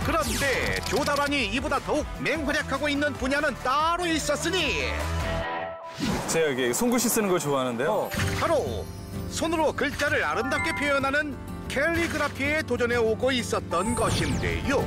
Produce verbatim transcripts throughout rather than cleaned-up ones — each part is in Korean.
그런데 조달환이 이보다 더욱 맹활약하고 있는 분야는 따로 있었으니 제가 이게 손글씨 쓰는 걸 좋아하는데요. 바로 손으로 글자를 아름답게 표현하는 캘리그라피에 도전해 오고 있었던 것인데요.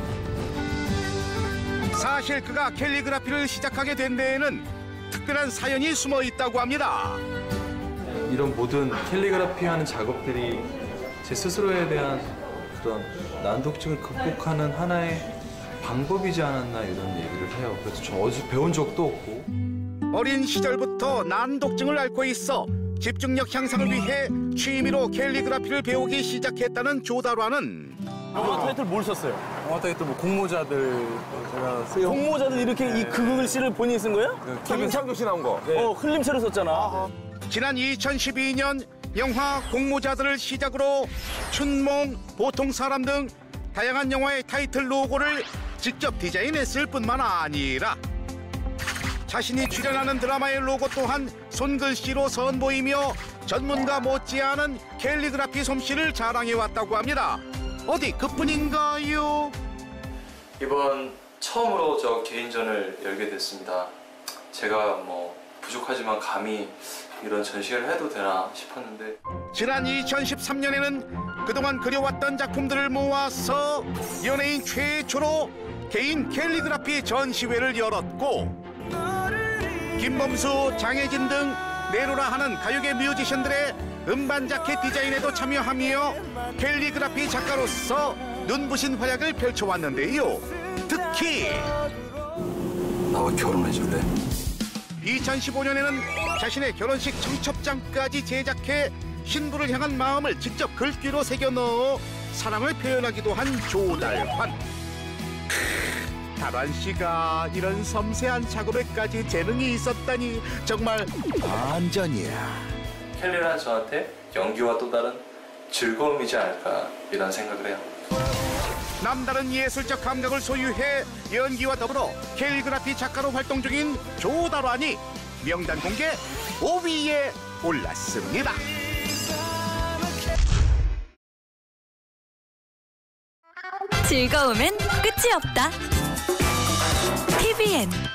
사실 그가 캘리그라피를 시작하게 된 데에는 특별한 사연이 숨어 있다고 합니다. 이런 모든 캘리그라피 하는 작업들이 제 스스로에 대한 그런 난독증을 극복하는 하나의 방법이지 않았나 이런 얘기를 해요. 그래서 저 어디서 배운 적도 없고. 어린 시절부터 난독증을 앓고 있어 집중력 향상을 위해 취미로 캘리그라피를 배우기 시작했다는 조달환은 영화 타이틀 뭘 썼어요? 영화 타이틀 뭐 공모자들 제가 쓰여. 공모자들 이렇게 이 그 글씨를 본인이 쓴 거예요? 김창규 씨 나온 거. 어, 흘림체로 썼잖아. 지난 이천십이 년 영화 공모자들을 시작으로 춘몽, 보통 사람 등 다양한 영화의 타이틀 로고를 직접 디자인했을 뿐만 아니라 자신이 출연하는 드라마의 로고 또한 손글씨로 선보이며 전문가 못지않은 캘리그라피 솜씨를 자랑해왔다고 합니다. 어디 그뿐인가요? 이번 처음으로 저 개인전을 열게 됐습니다. 제가 뭐 부족하지만 감히 이런 전시회를 해도 되나 싶었는데 지난 이천십삼 년에는 그동안 그려왔던 작품들을 모아서 연예인 최초로 개인 캘리그라피 전시회를 열었고 김범수, 장혜진 등 내로라 하는 가요계 뮤지션들의 음반 자켓 디자인에도 참여하며 캘리그라피 작가로서 눈부신 활약을 펼쳐왔는데요. 특히 나와 결혼해 줄래? 이천십오 년에는 자신의 결혼식 청첩장까지 제작해 신부를 향한 마음을 직접 글귀로 새겨 넣어 사랑을 표현하기도 한 조달환. 크, 달환 씨가 이런 섬세한 작업에까지 재능이 있었다니 정말 반전이야. 캘리는 저한테 연기와 또 다른 즐거움이지 않을까 이런 생각을 해요. 남다른 예술적 감각을 소유해 연기와 더불어 캘리그라피 작가로 활동 중인 조달환이 명단 공개 오 위에 올랐습니다. 즐거움엔 끝이 없다. 티비엔